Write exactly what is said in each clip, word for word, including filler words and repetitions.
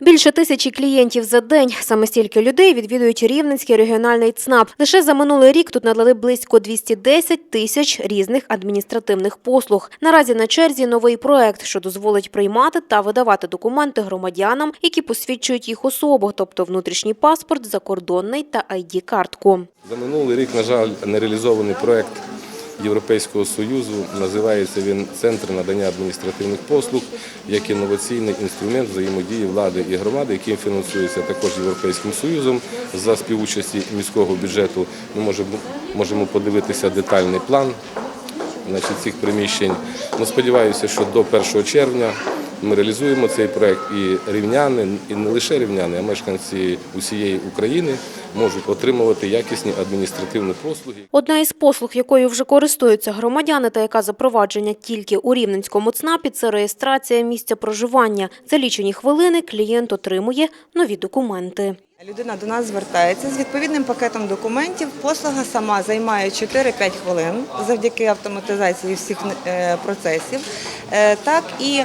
Більше тисячі клієнтів за день. Саме стільки людей відвідують Рівненський регіональний ЦНАП. Лише за минулий рік тут надали близько двісті десять тисяч різних адміністративних послуг. Наразі на черзі новий проект, що дозволить приймати та видавати документи громадянам, які посвідчують їх особу, тобто внутрішній паспорт, закордонний та ай ді-картку. За минулий рік, на жаль, не реалізований проект Європейського Союзу. Називається він «Центр надання адміністративних послуг» як інноваційний інструмент взаємодії влади і громади, який фінансується також Європейським Союзом за співучасті міського бюджету. Ми можемо, можемо подивитися детальний план значить, цих приміщень. Ну, сподіваюся, що до першого червня ми реалізуємо цей проект, і рівняни, і не лише рівняни, а мешканці усієї України можуть отримувати якісні адміністративні послуги. Одна із послуг, якою вже користуються громадяни та яка запровадження тільки у Рівненському ЦНАПі – це реєстрація місця проживання. За лічені хвилини клієнт отримує нові документи. Людина до нас звертається з відповідним пакетом документів. Послуга сама займає чотири-п'ять хвилин завдяки автоматизації всіх процесів. Так і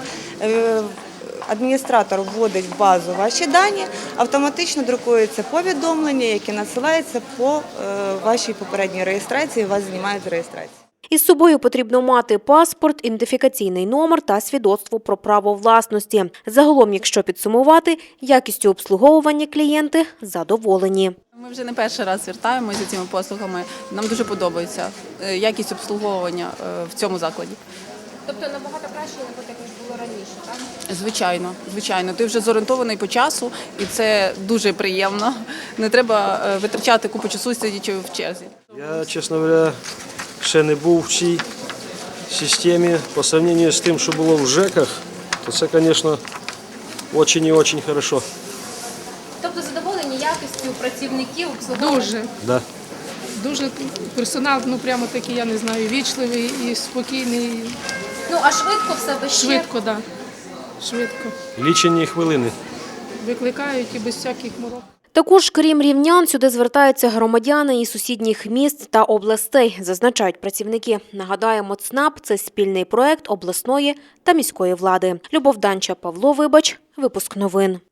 адміністратор вводить в базу ваші дані, автоматично друкується повідомлення, які надсилаються по вашій попередній реєстрації, вас знімають з реєстрації. Із собою потрібно мати паспорт, ідентифікаційний номер та свідоцтво про право власності. Загалом, якщо підсумувати, якістю обслуговування клієнти задоволені. Ми вже не перший раз звертаємося за цими послугами. Нам дуже подобається якість обслуговування в цьому закладі. Тобто набагато краще, ніж було раніше, так? Звичайно, звичайно. Ти вже зорієнтований по часу, і це дуже приємно. Не треба витрачати купу часу, сидячи в черзі. Я, чесно говоря, ще не був в цій системі. По сравнению з тим, що було в ЖЕКах, то це, звісно, дуже і дуже добре. Тобто задоволені якістю працівників обслуговування? Дуже. Да. Дуже персонал, ну прямо такий, я не знаю, вічливий і спокійний. Ну, а швидко все без Швидко, так. Да. Швидко. Лічені хвилини. Викликають і без всяких морок. Також, крім рівнян, сюди звертаються громадяни із сусідніх міст та областей, зазначають працівники. Нагадаємо, ЦНАП – це спільний проект обласної та міської влади. Любов Данча, Павло Вибач, випуск новин.